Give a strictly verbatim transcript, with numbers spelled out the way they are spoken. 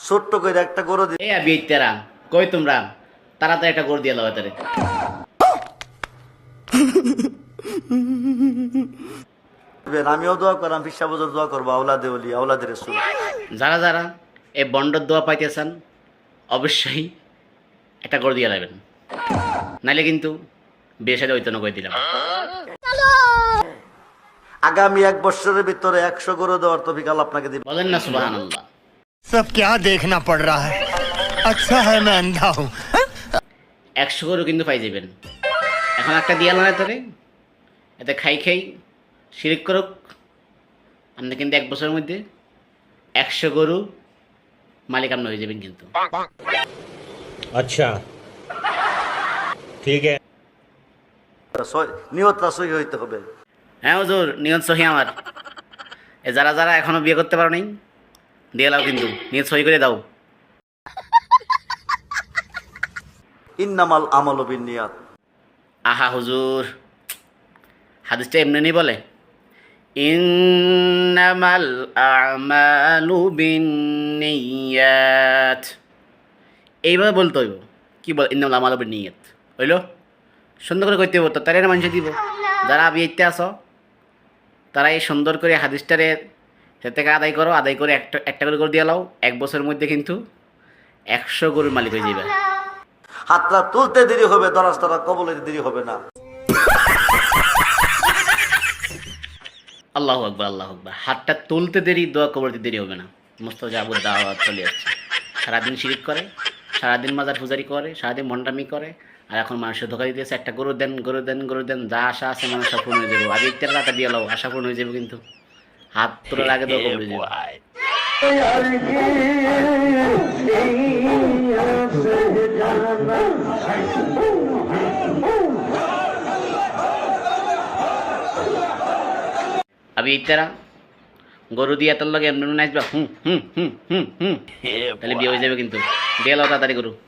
ছোট্ট করে একটা গরু এই আবি তেরা কই তোমরা তাড়াতাড়ি একটা গরু দিয়ে লাও তারে দিবেন। আমিও দোয়া করলাম, পিসা বজর দোয়া করবো, আওলাদে ওলি আওলাদে রাসূল। যারা যারা এই বন্ডর দোয়া পাইতেছেন অবশ্যই একটা গরু দিয়ে লাইবেন, নাইলে কিন্তু বিয়ে সাথে ঐতন করে দিলাম। আগামী এক বছরের ভিতরে একশো গরু দেওয়ার তৌফিক আল্লাহ আপনাকে দিবেন। বলেন না সুবহানাল্লাহ। सब क्या देखना पड़ रहा है, अच्छा है मैं अंधा हूँ। একশো গরু কিন্তু পাই যাবেন। এখন একটা দিয়ে আলাদা তারে এতে খাই খাই শিরিক করুক, আপনি কিন্তু এক বছরের মধ্যে একশো গরু মালিক আপনি হয়ে যাবেন কিন্তু। अच्छा ठीक है। সই- নিয়তটা সহি হইতে হবে। হ্যাঁ হুজুর, নিয়ত সহি আমার। এ যারা যারা এখনো বিয়ে করতে পারো নাই দিয়ে লাও কিন্তু, নিয়ত সহি করে দাও। ইন্নামাল আমালু বিন্নিয়াত। আহা হুজুর, হাদিসটা এমনি নেই বলে ইন্নামাল আমালু বিন্নিয়াত, এইভাবে বলতে হইব। কি বল ইন্নামাল আমালু বিন্নিয়াত হইল, সুন্দর করে কইতে হইব তো, তারা মানুষ দিব। যারা বিয়েতে আসো তারা এই সুন্দর করে হাদিসটারে সে থেকে আদায় করো, আদায় করে একটা একটা করে করে দিয়ে লাও। এক বছরের মধ্যে কিন্তু একশো গরুর মালিক হয়ে যাবে। হাতটা তুলতে দেরি হবে, দরাজটা কবল হইতে দেরি হবে না। আল্লাহু আকবার, আল্লাহু আকবার। হাতটা তুলতে দেরি, দোয়া কবরতে দেরি হবে না। মুস্তাজাবুদ দাওয়াত চলে আসছে। সারাদিন শিরিক করে, সারাদিন মাজার পূজারি করে, সারাদিন মন্ডামি করে, আর এখন মানুষের ধোকা দিতেছে একটা গরু দেন, গরু দেন, গরু দেন, যা আশা আছে মানুষ সব পূর্ণ হয়ে যাবে। আগে ইত্যাদি টাকা দিয়ে লাও, আশা পূর্ণ হয়ে যাবে কিন্তু। হাত তোলার আগে দোয়া কবর হয়ে যাবে। আবি ইত্যারা গরু দিয়ে তোর লগে এমনি নাচবা, হুম হুম হুম হুম হুম, তাহলে বিয়ে হয়ে যাবে কিন্তু। দিয়ে লাও তাড়াতাড়ি গরু।